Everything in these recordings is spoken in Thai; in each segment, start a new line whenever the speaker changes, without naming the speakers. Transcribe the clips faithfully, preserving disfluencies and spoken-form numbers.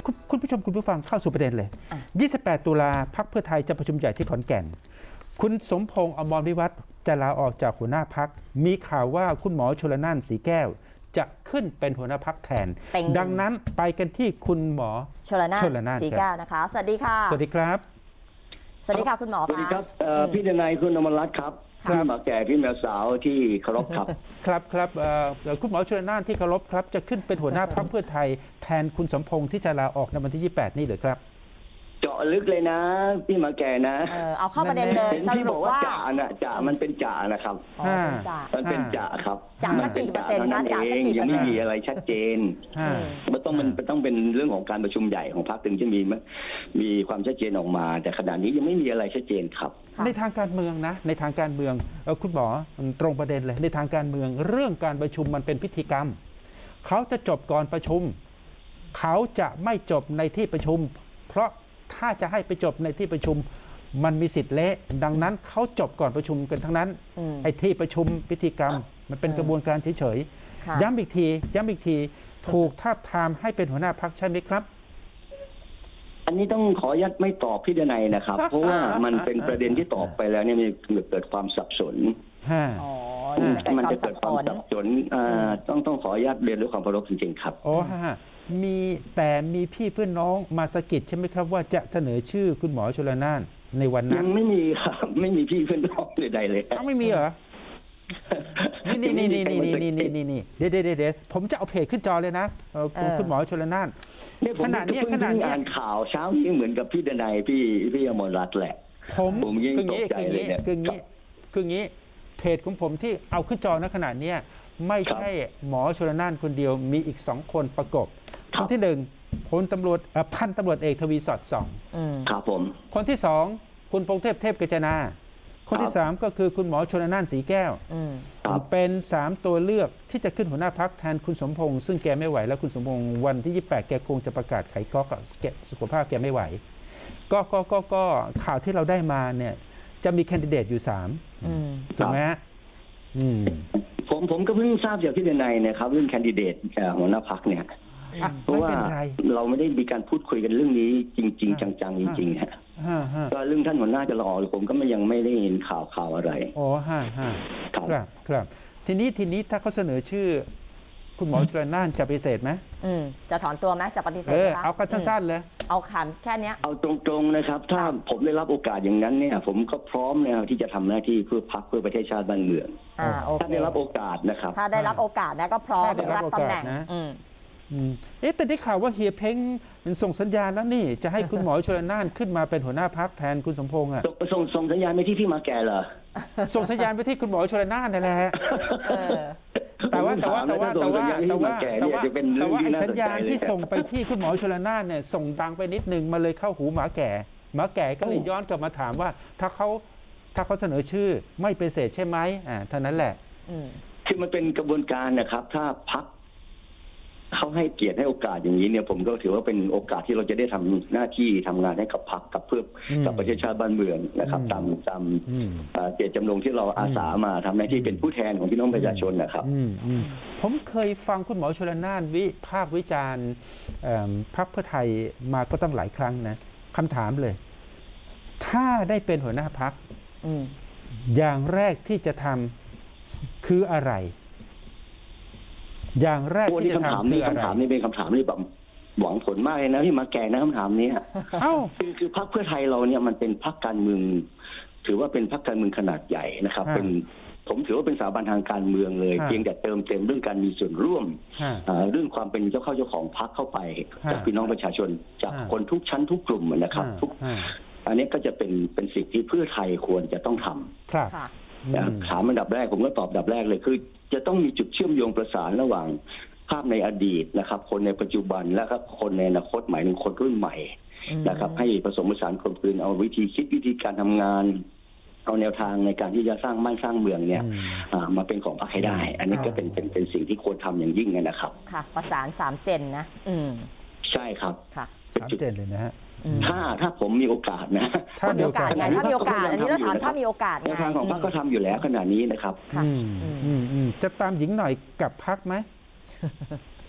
คุณคุณผู้ชมคุณผู้ฟังเข้าสู่ประเด็นเลย ยี่สิบแปด ตุลาพรรคเพื่อไทยจะประชุมใหญ่ที่ขอนแก่นคุณสมพงษ์อมรวิวัฒน์จะลาออกจากหัวหน้าพรรคมีข่าวว่าคุณหมอชลน่านสีแก้วจะขึ้นเป็นหัวหน้าพรรคแทนดังนั้นไปกันที่คุณหมอ
ชลน่านสีแก้วนะคะสวัสดีค่ะ
สวัสดีครับ
สวัสดีค่ะคุณหมอ
สวัสดีครับพี่ดนัยคุณอมรรัตน์ครับพี่หมาแก่พี่แมวสาวที่เคารพครับ
ครับครับคุณหมอชลน่านที่เคารพครับจะขึ้นเป็นหัวหน้าพรรคเพื่อไทยแทนคุณสมพงษ์ที่จะลาออกในวันที่ยี่สิบแปดนี่หรือครับ
เจาะลึกเลยนะพี่หมาแก่นะ
เออเอาเข้าประเด็นเลย
สรุปว่าจ่าน่ะจ่ามันเป็นจ่านะครับมันเป็นจ่าครับ
จ่าสักกี่เปอร์เซ็นต์นะจ่าสักกี่เปอร์เซ็นต์
ยังไม่มีอะไรชัดเจนมันต้องมันต้องเป็นเรื่องของการประชุมใหญ่ของพรรคถึงจะมีมีความชัดเจนออกมาแต่ขณะนี้ยังไม่มีอะไรชัดเจนครับ
ในทางการเมืองนะในทางการเมืองคุณหมอตรงประเด็นเลยในทางการเมืองเรื่องการประชุมมันเป็นพิธีกรรมเขาจะจบก่อนประชุมเขาจะไม่จบในที่ประชุมเพราะถ้าจะให้ไปจบในที่ประชุมมันมีสิทธิ์เละดังนั้นเขาจบก่อนประชุมกันทั้งนั้นไอ้ที่ประชุมพิธีกรรมมันเป็นกระบวนการเฉยๆย้ำอีกทีย้ำอีกทีถูกทาบทามให้เป็นหัวหน้าพรรคใช่ไหมครับ
อันนี้ต้องขอยัดไม่ตอบพี่ดนัยนะครับเพราะว่ามันเป็นประเด็นที่ตอบไปแล้วเนี่ยมีเกิดความสับสนมันจะเกิดความสับสนต้องต้องขอยัดเรียนด้วยความเคารพจริงๆครับ
อ๋อฮะมีแต่มีพี่เพื่อนน้องมาสะกิดใช่ไหมครับว่าจะเสนอชื่อคุณหมอชลน่านในวันนั้น
ยังไม่มีครับไม่มีพี่เพื่อนน้องใดๆเลย
อ้าวไม่มีเหรอนี่นี่นี่นี่นี่นี่นี่นี่เดี๋ยวเดี๋ยวเดี๋ยวผมจะเอาเพจขึ้นจอเลยนะคุณหมอชลน่าน
ขนาดนี้ขนาดนี้อ่านข่าวเช้านี้เหมือนกับพี่ดนัยพี่พี่อมรรัตน์แหละ
ผม
ผมยิ่งตกใจเลยเนี่ย
คืองี้คืองี้เพจของผมที่เอาขึ้นจอณขนาดนี้ไม่ใช่หมอชลน่านคนเดียวมีอีกสองคนประกบคนที่หนึ่งพลตำรวจพันตำรวจเอกทวีสอดส่อง
ครับผม
คนที่สองคุณพงษ์เทพเทพกัจจนาคนที่สามก็คือคุณหมอชลน่านสีแก้วเป็นสามตัวเลือกที่จะขึ้นหัวหน้าพรรคแทนคุณสมพงษ์ซึ่งแกไม่ไหวแล้วคุณสมพงษ์วันที่ยี่สิบแปดแกคงจะประกาศไขก๊อกแกสุขภาพแกไม่ไหวก็ก็ก็ก็ข่าวที่เราได้มาเนี่ยจะมีแคนดิเดตอยู่สามถูกไหมฮะ
ผมผมก็เพิ่งทราบจากพี่ดนัยนะครับเรื่องแคนดิเดตหัวหน้าพรรคเนี่ยเพราะว่าเราไม่ได้มีการพูดคุยกันเรื่องนี้จริงๆจังๆจริงๆฮะก็เรื่องท่านหัวหน้าจะรอผมก็ไม่ยังไม่ได้เห็นข่าวข่าวอะไร
อ๋อฮะฮะครับครับทีนี้ทีนี้ถ้าเขาเสนอชื่อคุณหมอชลน่านจะปฏิเสธไหม
จะถอนตัวไหมจะปฏิเสธ
ไหมเอากันสั้นๆเลย
เอาคำแค่นี้
เอาตรงๆนะครับถ้าผมได้รับโอกาสอย่างนั้นเนี่ยผมก็พร้อมแล้วที่จะทำหน้าที่เพื่อพรรคเพื่อประเทศชาติบ้านเมืองถ้าได้รับโอกาสนะครับ
ถ้าได้รับโอกาสนะก็พร้อมรับตำแหน่ง
เอ๊ะแต่ได้ข่าวว่าเฮียเพ้งส่งสัญญาณแล้วนี่จะให้คุณหมอชลน่านขึ้นมาเป็นหัวหน้าพรรคแทนคุณสมพงษ์อ่ะ
ส่งส่งสัญญาณไปที่พี่มาแก่เหรอ
ส่งสัญญาณไปที่คุณหมอชลน่านนั่นแหละแต่ว่าแต่ว่าแต่ว่าแต่ว่าแต่ว่าแต่ว่าแต่ว่าไอ้สัญญาณที่ส่งไปที่คุณหมอชลน่านเนี่ยส่งดังไปนิดนึงมาเลยเข้าหูหมาแก่หมาแก่ก็เลยย้อนกลับมาถามว่าถ้าเขาถ้าเขาเสนอชื่อไม่ปฏิเสธใช่ไหมอ่าเท่านั้นแหละ
คือมันเป็นกระบวนการนะครับถ้าพรรคเขาให้เกียรติให้โอกาสอย่างนี้เนี่ยผมก็ถือว่าเป็นโอกาสที่เราจะได้ทำหน้าที่ทำงานให้กับพรรคกับเพื่อกับประเทศชาติบ้านเมืองนะครับตามตามเจตจำนงที่เราอาสามาทำหน้าที่เป็นผู้แทนของพี่น้องประชาชนนะครับ
ผมเคยฟังคุณหมอชลน่านวิพากษ์วิจารณ์พรรคเพื่อไทยมาก็ตั้งหลายครั้งนะคำถามเลยถ้าได้เป็นหัวหน้าพรรคอย่างแรกที่จะทำคืออะไรอย่างแรกที่จะทำ
คืออะไรคำถามนี้เป็นคำถามที่แบบหวังผลมากเลยนะที่มาแก่นะคำถามนี้เอ้าคือคือพรรคเพื่อไทยเราเนี่ยมันเป็นพรรคการเมืองถือว่าเป็นพรรคการเมืองขนาดใหญ่นะครับเป็นผมถือว่าเป็นสถาบันทางการเมืองเลยเพียงแต่เติมเต็มเรื่องการมีส่วนร่วมเรื่องความเป็นเจ้าเข้าเจ้าของพรรคเข้าไปจากพี่น้องประชาชนจากคนทุกชั้นทุกกลุ่มนะครับทุกอันนี้ก็จะเป็นเป็นสิ่งที่เพื่อไทยควรจะต้องทำถามอันดับแรกผมก็ตอบอันดับแรกเลยคือจะต้องมีจุดเชื่อมโยงประสานระหว่างภาพในอดีตนะครับคนในปัจจุบันและครับคนในอนาคตหมายถึงคนรุ่นใหม่นะครับให้ผสมผสานกลมกลืนเอาวิธีคิดวิธีการทำงานเอาแนวทางในการที่จะสร้างบ้านสร้างเมืองเนี่ยมาเป็นของพรรคให้ได้อันนี้ก็เป็นเป็นเป็นสิ่งที่ควรทำอย่างยิ่งนะครับ
ค่ะประสานสามเจนนะอืม
ใช่ครับ
ค่ะ
สามเจนเลยนะฮะ
ถ้าถ้าผมมีโอกาสนะ
ถ้ามีโอกาสไงถ้ามีโอกาสอันนี้เราถามถ้ามีโอกาสไง
ทางของพรรคก็ทำอยู่แล้วขณะนี้นะครับ
จะตามหญิงหน่อยกับพรรคไหม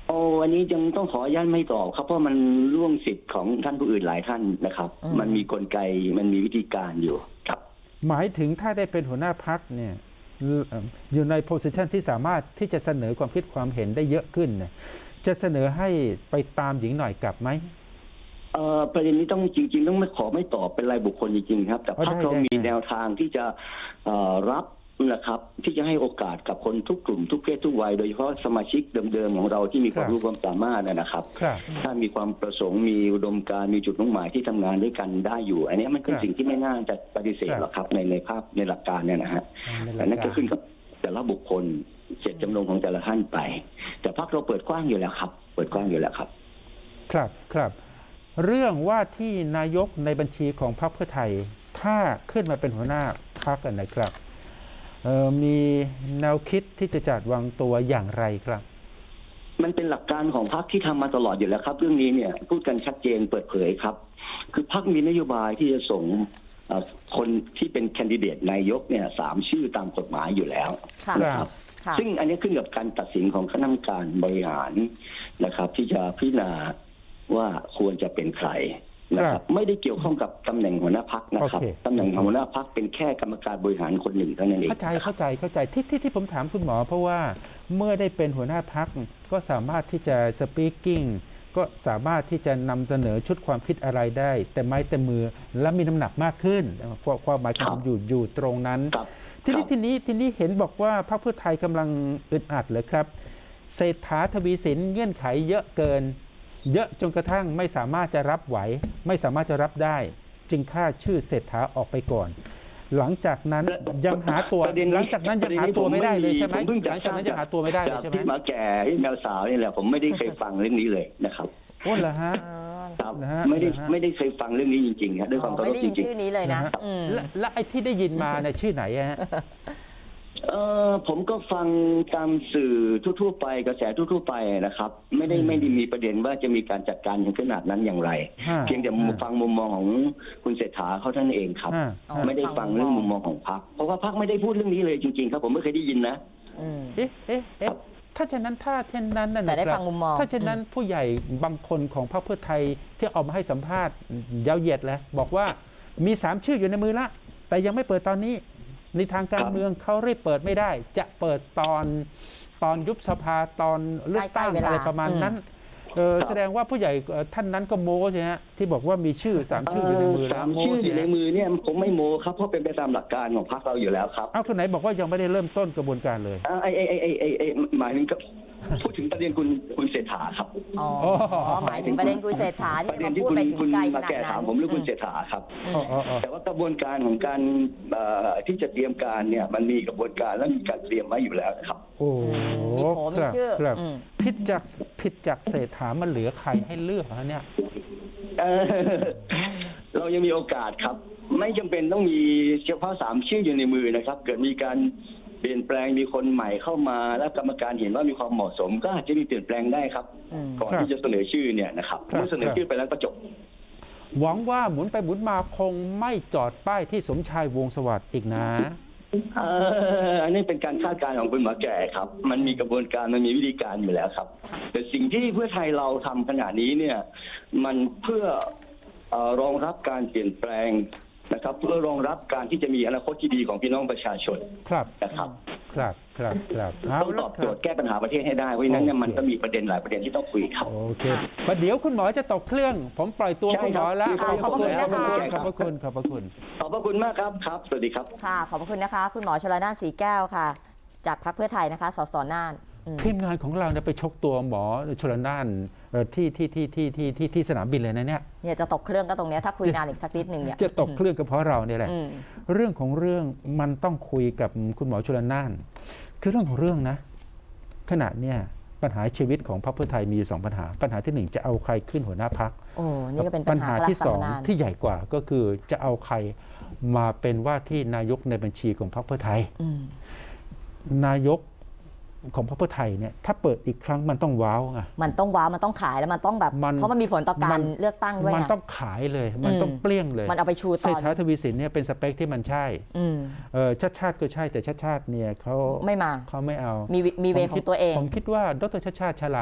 โอ้อันนี้ยังต้องขออนุญาตไม่ตอบครับเพราะมันล่วงสิทธิ์ของท่านผู้อื่นหลายท่านนะครับ
อืม
มันมีกลไกมันมีวิธีการอยู่ครับ
หมายถึงถ้าได้เป็นหัวหน้าพักเนี่ยเอ่ออยู่ในโพสิชันที่สามารถที่จะเสนอความคิดความเห็นได้เยอะขึ้นเนี่ยจะเสนอให้ไปตามหญิงหน่อยกลับไหม
เอ่อประเด็นนี้ต้องจริง ๆ ต้องไม่ขอไม่ตอบเป็นรายบุคคลจริงๆครับ แต่
อ๋อ
พรรค
ได้
เรา
ได้
มี
ได้
แนวทางที่จะเอ่อรับนะครับ ที่จะให้โอกาสกับคนทุกกลุ่มทุกเพศทุกวัยโดยเฉพาะสมาชิกเดิมๆของเราที่มีความรู้ความสามารถนะครับ
ครับ
ถ้ามีความประสงค์มีอุดมการณ์มีจุดมุ่งหมายที่ทำงานด้วยกันได้อยู่ อันนี้มันเป็น
ครับ
สิ่งที่ไม่น่าจะปฏิเสธ
ครับ
หรอกครับในในภาพในหลักการเนี่ยนะฮะ
ในหลักการ
แต่นั่นก็ขึ้นกับแต่ละบุคคลเจตจำนงของแต่ละท่านไป แต่พรรคเราเปิดกว้างอยู่แล้วครับ เปิดกว้างอยู่แล้วครับ
ครับครับ เรื่องว่าที่นายกในบัญชีของพรรคเพื่อไทย ถ้าขึ้นมาเป็นหัวหน้าพรรคกันนะครับเอ่อมีแนวคิดที่จะจัดวางตัวอย่างไรครับ
มันเป็นหลักการของพรรคที่ทำมาตลอดอยู่แล้วครับ เรื่องนี้เนี่ยพูดกันชัดเจนเปิดเผยครับ คือพรรคมีนโยบายที่จะส่งเอ่อคนที่เป็นแคนดิเดตนายกเนี่ยสามชื่อตามกฎหมายอยู่แล้ว
ค่ะ
นะครับ
ค่ะ
ซึ่งอันนี้ขึ้นกับการตัดสินของคณะกรรมการบริหารนะครับ ที่จะพิจารณาว่าควรจะเป็นใครนะค
ครั
รับ
บ
ไม่ได้เกี่ยวข้องกับตำแหน่งหัวหน้าพักนะครับ
โอเค
ตำแหน่งหัวหน้าพักเป็นแค่กรรมการบริหารคนหนึ่งเท่านั้นเอง
เข้าใจเข้าใจเข้าใจที่ที่ที่ผมถามคุณหมอ เพราะว่าเมื่อได้เป็นหัวหน้าพักก็สามารถที่จะสปีกกิ้งก็สามารถที่จะนำเสนอชุดความคิดอะไรได้ แต่ไม้แต่มือและมีน้ำหนักมากขึ้นเพราะความหมายของผมอยู่อยู่ตรงนั้น
ครับ
ทีนี้
ครับ
ทีนี้ทีนี้เห็นบอกว่าพรรคเพื่อไทยกำลังอึดอัดเลยครับเศรษฐาทวีสินเงื่อนไขเยอะเกิน เยอะจนกระทั่งไม่สามารถจะรับไหว ไม่สามารถจะรับได้ จึงฆ่าชื่อเศรษฐาออกไปก่อน หลังจากนั้นยังหาตัว
ประเด็นนี้
หลังจากนั้นยังหาตัวไม่ได้เลยใช่ไหม
ผมเพิ่ง
หลังจากนั้นยังหาตัวไม่ได้เลยใช่ไหม
ที่หมาแก่ที่แมวสาวนี่แหละผมไม่ได้เคยฟังเรื่องนี้เลยนะครับ
โอ้เหรอฮะ
อ๋อ
ครับ
นะฮะ
ไม่ได้
นะฮะ
ไม่ได้เคยฟังเรื่องนี้จริงๆครับด้วยความเคา
ไม่
รพ
ได้
จ
ยิน
ริง
ชื่อนี้เลยนะ
นะฮะ
อืม
และและไอ้ที่ได้ยินมาเนี่ยชื่อไหนอะฮะ
ๆเออผมก็ฟังตามสื่อทั่วๆไปกระแสทั่วๆไปนะครับ ไม่ได้
อืม
ไม่ได้มีประเด็นว่าจะมีการจัดการถึงขนาดนั้นอย่างไร
ฮะ
เพียงแต่
ฮะ
ฟังมุมมองของคุณเศรษฐาเขาท่านเองครับ
ฮะ
อ๋อ
ฮะ
ไม่ได้ฟังเรื่องมุมมองของพรรคเพราะว่าพรรคไม่ได้พูดเรื่องนี้เลยจริงๆครับผมไม่เคยได้ยินนะ
อืม
เอ๊ะเอ๊ะเอ๊ะถ้าเช่นนั้นถ้าเช่นนั้นน่ะ
แต่ได้
นะครับ
ฟังมุมมอง
ถ้าเช่นนั้นผู้ใหญ่บางคนของพรรคเพื่อไทยที่ออกมาให้สัมภาษณ์ยาวเหยียดเลยบอกว่ามีสามชื่ออยู่ในมือละ แต่ยังไม่เปิดตอนนี้ ในทางการเมืองเขาเรียกเปิดไม่ได้ จะเปิดตอนตอนยุบสภาตอนเลือกตั้ง
ใกล้ๆเวลา
อะไรประมาณนั้นเออ
ครับ
แสดงว่าผู้ใหญ่เอ่อท่านนั้นก็โม้ใช่ไหมฮะที่บอกว่ามีชื่อสามชื่ออยู่ในมือแล้ว
สาม
โม้
ชื่ออ
ใช่
ยู่
ไห
ใน
ม
มือเนี่ยผมไม่โมครับเพราะเป็นไปตามหลักการของพรรคเราอยู่แล้วครับ
เอาคนไหนบอกว่ายังไม่ได้เริ่มต้นกระบวนการเลย
อ่าไอไอไอไอไอไอหมายถึงกับพูดถึงประเด็นคุณคุณเศรษฐาครับ
อ๋อ
อ๋อ
อ๋อหมายถึงประเด็นคุณเศรษฐา
ป
ที่
ระเด็
มาน
ที่
พูด
คุณ
ไปถึ
คุ
ง
ณ
ไกลข
มา
นาด
แก่
นั้
ถาม
น
ผมเรื่องคุณเศรษฐาครับ
อื
อ๋อ
ม
อ๋ออ๋อ
แต่ว่ากระบวนการของการเอ่อที่จะเตรียมการเนี่ยมันมีกระบวนการและมีการเตรียมไว้อยู่แล้วนะครับ
โอ้
มีโผมี
ครับ
ชื่อ
ครับ
อืม
ผิดจากผิดจากเศรษฐามันเหลือใครให้เลือกฮะเนี่ย
เอ่อเรายังมีโอกาสครับ ไม่จำเป็นต้องมีเฉพาะสามชื่ออยู่ในมือนะครับ เกิดมีการเปลี่ยนแปลงมีคนใหม่เข้ามา แล้วกรรมการเห็นว่ามีความเหมาะสม ก็อาจจะมีเปลี่ยนแปลงได้ครับ
อืม
ก่อน
ครับ
ที่จะเสนอชื่อเนี่ยนะครับ
ครับ
เมื่อเสนอชื่อไปแล้วก็จบ
หวังว่าหมุนไปหมุนมาคงไม่จอดป้ายที่สมชายวงศ์สวัสดิ์อีกนะ
เอ่ออันนี้เป็นการคาดการณ์ของคุณหมอแก่ครับ มันมีกระบวนการมันมีวิธีการอยู่แล้วครับ แต่สิ่งที่เพื่อไทยเราทำขณะนี้เนี่ย มันเพื่อเอ่อรองรับการเปลี่ยนแปลงนะครับ เพื่อรองรับการที่จะมีอนาคตที่ดีของพี่น้องประชาชน
ครับ
นะครับ
ครับครับครับเอา
ต้องต
ละ
อบ
ค
โจ
รั
ทย์แก้ปัญหาประเทศให้ได้เพราะฉะนั้นเนี่ย
โอเค
มันก็มีประเด็นหลายประเด็นที่ต้องคุยครับ
โอเคประเดี๋ยวคุณหมอจะตกเครื่อง ผมปล่อยตัว
ใช่
คุณหมอ
ครับ
แล้ว
ขอบพระคุณ
ขอบพระ
นะคะ
ขอบพระคุณขอบพระคุณ
ขอบพระคุณมากครับครับ สวัสดีครับ
ค่ะ ขอบพระคุณนะคะ คุณหมอชลน่านสีแก้วค่ะ จากพรรคเพื่อไทยนะคะ สสน่านอืม
ทีมงานของเราเนี่ยไปชกตัวหมอชลน่านเอ่อที่ที่ที่ที่ที่ที่ที่สนามบินเลยนะเนี่ย
เนี่ยจะตกเครื่องก็ตรงเนี้ยถ้าคุยนานอีกสักนิดหนึ่งเนี่ย
จะตกเครื่องก็เพราะเราเนี่ยแหละ
อืม
เรื่องของเรื่องมันต้องคุยกับคุณหมอชลน่าน คือเรื่องของเรื่องนะ ขณะเนี่ยปัญหาชีวิตของพรรคเพื่อไทยมีอยู่สองปัญหา ปัญหาที่หนึ่งจะเอาใครขึ้นหัวหน้าพรรค
โอ้นี่ก็เป็น
ปั
ปั
ญ
ญหา
หา
ระ
ที่สอง
ดับตำนาน
ที่ใหญ่กว่าก็คือจะเอาใครมาเป็นว่าที่นายกในบัญชีของพรรคเพื่อไทย
อืม
นายกของพรรคเพื่อไทยเนี่ยถ้าเปิดอีกครั้งมันต้องว้าวไง
มันต้องว้าวมันต้องขายแล้วมันต้องแบบ
มัน
เพราะมันมีผลต่อการ
มัน
เลือกตั้งด้วย
มัน
ไง
ต้องขายเลย มัน
อืม
ต้องเปรี้ยงเลย
มันเอาไปชู
เศ
ต
ร
อ
ษ
น
ฐาทวีสินเนี่ยเป็นสเปคที่มันใช่
อืม
เออชาติชาติก็ใช่แต่ชาติชาติเนี่ยเขา
ไม่มา
เขาไม่เอา
มีวิมีเว
ผม
ขอ
คิด
งตัวเอง
ผมคิดว่าดรชาติชาติฉลาด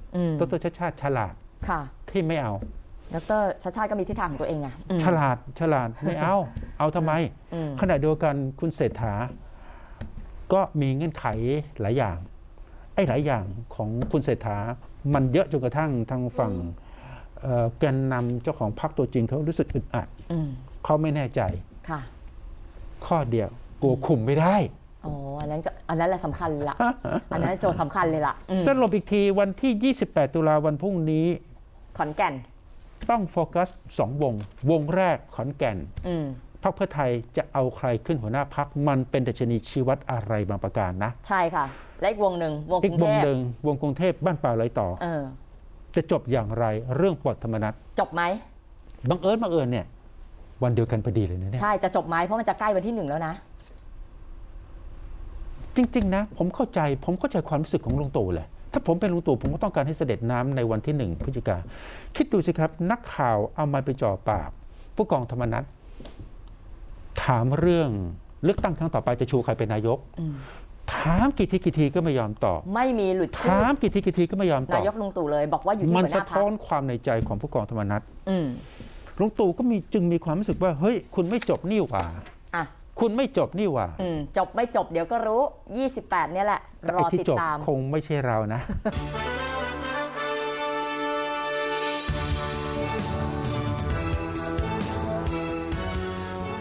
อืม
ดรชาติชาติฉลาด
ค่ะ
ที่ไม่เอา
ดรชาติชาติก็มีทิศทางของตัวเองไงอืม
ฉลาดฉลาดไม่เอา เอาทำไม
อืม
ขณะเดียวกันคุณเศรษฐาก็มีเงื่อนไขหลายอย่างไอ้หลายอย่างของคุณเศรษฐามันเยอะจนกระทั่งทางฝั่งเอ่อแกนนำเจ้าของพรรคตัวจริงเขารู้สึกอึดอัด
อืม
เขาไม่แน่ใจ
ค่ะ
ข้อเดียวกลัวคุมไม่ได้
อ๋ออันนั้นก็อันนั้นแหละสำคัญละอันนั้นโจทย์สำคัญเลยล่ะอืม
สรุปอีกทีวันที่ ยี่สิบแปด ตุลาวันพรุ่งนี้
ขอนแก่น
ต้องโฟกัสสองวง วงแรกขอนแก่น
อืม
พรรคเพื่อไทยจะเอาใครขึ้นหัวหน้าพรรคมันเป็นดัชนีชี้วัดอะไรบางประการนะ
ใช่ค่ะ และอีกวงหนึ่งวง
อี
ก
ก
รุง
ว
เท
ง
พ
หนึ่งวงกรุงเทพบ้านป่าไรต่อ
เออ
จะจบอย่างไรเรื่องปลดธรรมนัฐ
จบไหม
บังเอิญบังเอิญเนี่ยวันเดียวกันพอดีเลยนะเนี่ย
ใช่จะจบไหมเพราะมันจะใกล้วันที่หนึ่งแล้วนะ
จริงๆนะผมเข้าใจผมเข้าใจความรู้สึกของลุงตู่เลยถ้าผมเป็นลุงตู่ผมก็ต้องการให้เสด็จน้ำในวันที่หนึ่งพฤศจิกาคิดดูสิครับนักข่าวเอามาไปจ่อปากผู้กองธรรมนัฐถามเรื่องเลือกตั้งครั้งต่อไปจะชูใครเป็นนายก
อืม
ถามกี่ทีกี่ทีก็ไม่ยอมตอบ
ไม่มีหลุดชื่อ
ถามกี่ทีกี่ทีก็ไม่ยอมตอบ
นายกลุงตู่เลยบอกว่าอยู่ที่
มัน
หัวห
สะ
น้าพรร
ท้อ
คน
ความในใจของผู้กองธรรมนัฐ
อืม
ลุงตู่ก็มีจึงมีความรู้สึกว่าเฮ้ยคุณไม่จบนี่หว่า
อ่ะ
คุณไม่จบนี่หว่า
อืมจบไม่จบเดี๋ยวก็รู้ยี่สิบแปดเนี่ยแหละ
แต่
รอ
ไอ้ที่
ติด
จบ
ตาม
คงไม่ใช่เรานะ